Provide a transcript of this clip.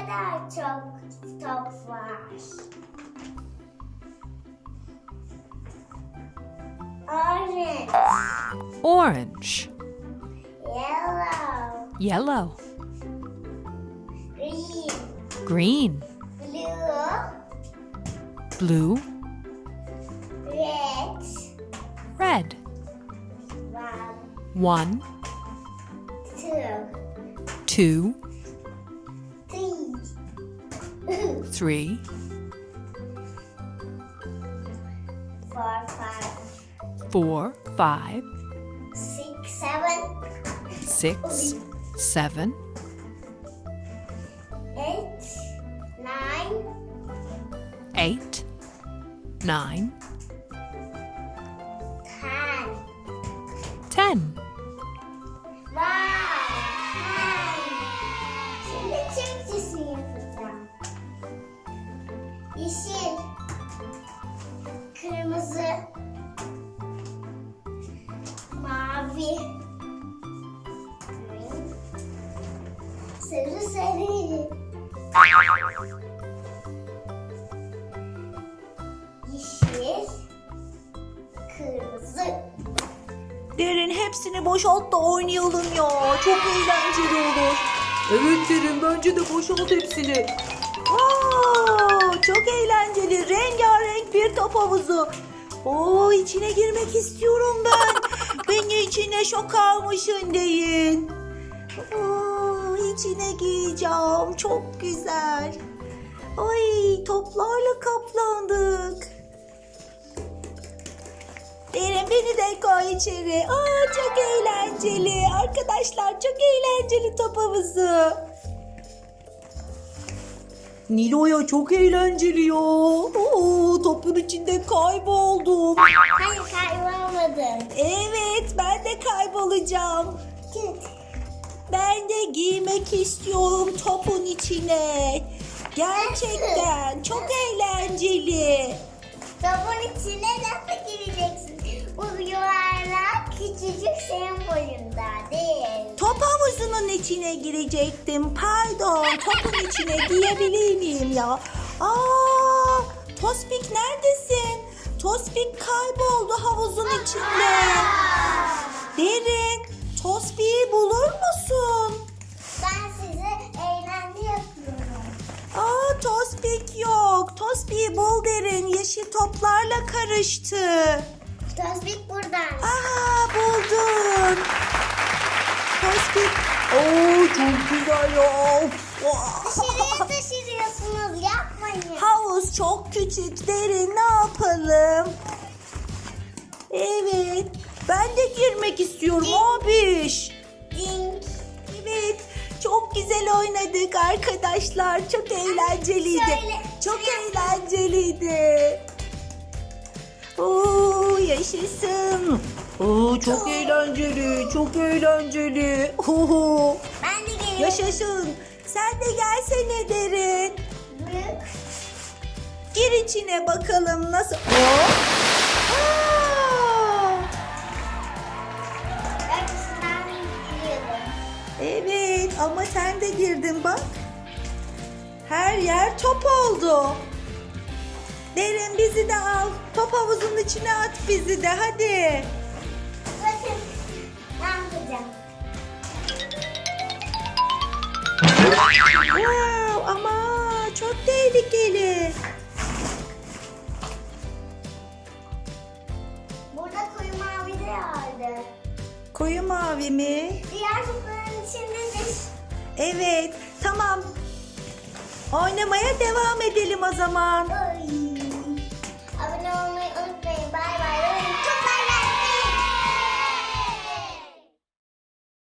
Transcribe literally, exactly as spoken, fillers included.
kadar çok top var. Orange, Orange. yellow, Yellow. green, Green. blue, Blue. red, Red. one, One. two, Two. three, Three. four, five, Four. Five. six, seven, Six. Seven. eight, nine, Eight. Nine. ten. Ten. Wow! Ten. Şimdi Türkçesini yapacağım. Yeşil, kırmızı, mavi, sarı sarı, yeşil, kırmızı. Derin hepsini boşalt da oynayalım ya. Çok eğlenceli olur. Evet Derin bence de boşalt hepsini. Aa, çok eğlenceli. Rengarenk bir top havuzu. Oo, içine girmek istiyorum ben. Beni içine şok almışın deyin. Oo, içine gireceğim. Çok güzel. Ay, toplarla kaplandık. Derin beni de koy içeri. Aa, çok eğlenceli. Arkadaşlar çok eğlenceli top havuzu. Nilo'ya çok eğlenceli ya. Oo, topun içinde kayboldum. Hayır kaybolmadın. Evet ben de kaybolacağım. Ben de girmek istiyorum topun içine. Gerçekten çok eğlenceli. Topun içine nasıl gireceksin? Bu yuvarlak küçücük senin boyunda değil. Top havuzunun içine girecektim. Pardon, topun içine girebilir miyim ya? Aa, Tospik neredesin? Tospik kayboldu havuzun içinde. Derin, Tospik'i bulur musun? Ben size eğlence yapıyorum. Aa, Tospik yok. Tospik'i bul Derin. Yeşil toplarla karıştı. Tospik buradan. Aa, buldum. Tospik. Oo, çok güzel ya. Dışarıya taşırıyorsunuz yapmayın. Havuz çok küçük Derin, ne yapalım? Evet, ben de girmek istiyorum abiş. Dink. Evet, çok güzel oynadık arkadaşlar. Çok eğlenceliydi. Şöyle, Çok şuraya- eğlenceliydi. Oo, yaşasın. Oo, çok eğlenceli, çok eğlenceli. Oo, Ben de geliyorum. yaşasın. Sen de gelsene Derin. Büyük. Gir içine bakalım nasıl. Hop. Aa! Arkasından giriyordum. Evet ama sen de girdin bak. Her yer top oldu. Derin bizi de al. Top havuzunun içine at bizi de hadi. Bakın ne yapacağım. Wow, ama çok tehlikeli. Burada koyu mavi de vardı. Koyu mavi mi? Diğer topların içindedir. Evet tamam. Oynamaya devam edelim o zaman. Öyle.